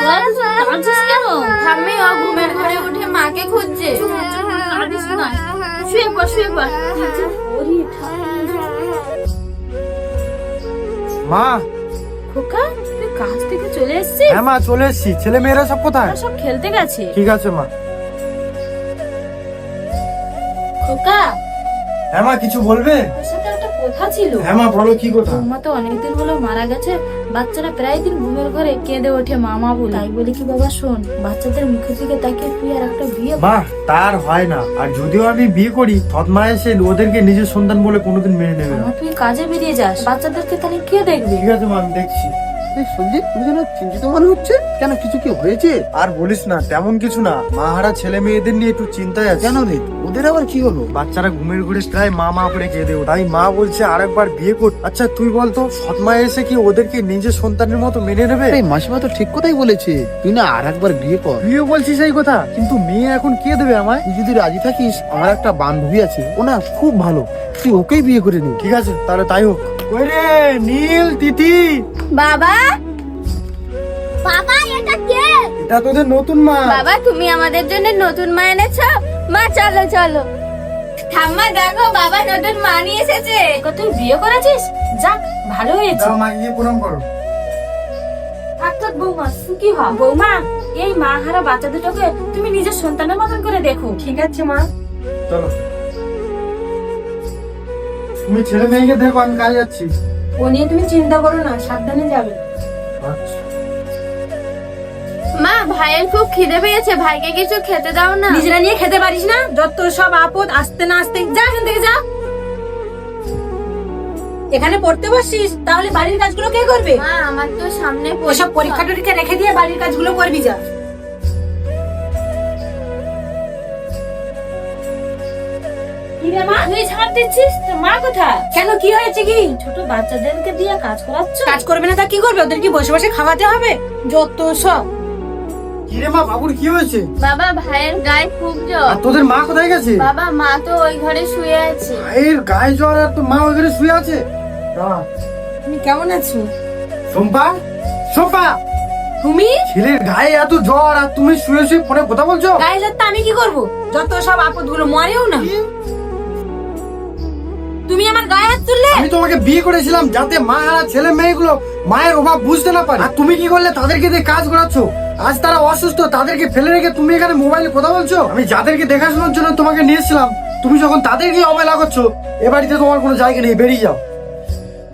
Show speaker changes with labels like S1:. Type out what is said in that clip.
S1: ঠাম্মি ও ঘুমের ঘরে উঠে মাকে খুঁজছে।
S2: শুয়ে পড় শুয়ে পড়।
S3: মা।
S2: খোকা তুই কাজ থেকে চলে এসেছিস?
S3: হ্যাঁ মা, চলে এসেছি। ছেলে মেয়েরা সব কোথায়?
S2: সব খেলতে গেছে।
S3: ঠিক আছে মা।
S2: খোকা
S3: হ্যাঁ মা, কিছু বলবে?
S2: তোর সাথে একটা কথা ছিল।
S3: হ্যাঁ মা, বলো কি কথা?
S2: বৌমা তো অনেকদিন হলো মারা গেছে। বাচ্চারা প্রায় দিন ঘুমের ঘরে কেঁদে ওঠে মামা বলে। তাই বলি কি বাবা শোন, বাচ্চাদের মুখের দিকে তাকিয়ে তুই আর একটা বিয়ে কর।
S3: মা, তার হয় না। আর যদিও আমি বিয়ে করি, সৎমা এসে ওদেরকে নিজের সন্তান বলে কোনোদিন মেনে নেবে না।
S2: মামা তুই কাজে বেরিয়ে যাস, বাচ্চাদেরকে তাহলে কে দেখবে?
S3: ঠিক আছে মা, আমি দেখছি।
S4: সঞ্জিত, তুমি যেন চিন্তিত মনে হচ্ছে। কেন, কিছু কি হয়েছে?
S3: আর বলিস না, তেমন কিছু না। মা হারা ছেলে মেয়েদের নিয়ে একটু চিন্তায় আছে।
S4: কেন রে, ওদের আবার কি হলো?
S3: বাচ্চারা ঘুমের ঘুরে প্রায় মা মা করে কেঁদে ওঠে। তাই মা বলছে আরেকবার বিয়ে কর। আচ্ছা তুই বলতো, সৎমা এসে কি ওদেরকে নিজের সন্তানের মতো মেনে নেবে?
S4: এই মাসিমা তো ঠিক কথাই বলেছে, তুই না আর একবার বিয়ে কর।
S3: তুইও বলছিস এই কথা, কিন্তু মেয়ে এখন কে দেবে আমায়?
S4: তুই যদি রাজি থাকিস, আমার একটা বান্ধবী আছে, ও না খুব ভালো, তুই ওকেই বিয়ে করে নি।
S3: ঠিক আছে, তাহলে তাই হোক। ওই রে নীল, তিথি।
S1: বাবা, বাবা এটা কে?
S3: এটা তোদের নতুন মা।
S1: বাবা তুমি আমাদের জন্য নতুন মা এনেছো? মা চলো চলো। ঠাম্মা দেখো, বাবা নতুন মা নিয়ে এসেছে।
S2: খোকা, তুই বিয়ে করেছিস? যাক ভালো হয়েছে।
S3: যাও মা, গিয়ে প্রণাম করো।
S2: থাক থাক বৌমা, সুখী হ। বৌমা, এই মা হারা বাচ্চা দুটোকে তুমি নিজের সন্তানের মতন করে দেখো। ঠিক আছে মা।
S3: চলো, তুমি ছেলে মেয়েকে দেখো, আমি কাজে যাচ্ছি।
S2: ও নিয়ে তুমি চিন্তা করো না, সাবধানে যাবে।
S3: আচ্ছা।
S1: মা ভাইয়ের খুব খিদে পেয়েছে, ভাইকে কিছু খেতে দাও না।
S2: নিজেরা নিয়ে খেতে পারিস না? যত সব আপদ, আসতে না আসতে যা এখান থেকে যা। এখানে পড়তে বসিস, তাহলে বাড়ির কাজগুলো কে করবে?
S1: মা আমার তো সামনে
S2: ওসব পরীক্ষা টরীক্ষা রেখে দিয়ে বাড়ির কাজগুলো করবি যা। কি রে মা, তুই ছাড় দিচ্ছিস? তোর মা কোথায়? কেন, কি হয়েছে? কি ছোট বাচ্চাদেরকে দিয়ে কাজ করাচ্ছ? কাজ করবে না তা কি করবে? ওদের কি বসে বসে খাওয়াতে হবে? যত সব।
S3: কি রে মা, বাবুর কি হয়েছে?
S1: বাবা ভাইয়ের গায়ে খুব জ্বর।
S3: আর তোদের মা কোথায় গেছে?
S1: বাবা মা তো ওই ঘরে শুয়ে আছে।
S3: ভাইয়ের গায়ে জ্বর আর তোর মা ওখানে শুয়ে আছে? দাঁড়া।
S2: তুমি কেমন আছো?
S3: শম্পা, শম্পা,
S2: তুমি
S3: ছেলের গায়ে এত জ্বর আর তুমি শুয়ে শুয়ে ফোনে কথা বলছো?
S2: গায়ে যাতে আমি কি করব? যত সব আপদ গুলো মরেও না। তুমি আমার গায়ে হাত তুললে।
S3: আমি তোমাকে বিয়ে করেছিলাম যাতে মা আর ছেলে মেয়েগুলো মায়ের অভাব বুঝতে না পারে। আর তুমি কি করলে? তাদেরকে দিয়ে কাজ করাচ্ছ। আজ তারা অসুস্থ, তাদেরকে ফেলে রেখে তুমি এখানে মোবাইলে কথা বলছো। আমি যাদেরকে দেখাশোনার জন্য তোমাকে নিয়েছিলাম, তুমি যখন তাদেরকে অবহেলা করছো, এ বাড়িতে তোমার কোনো জায়গা নেই, বেরিয়ে যাও।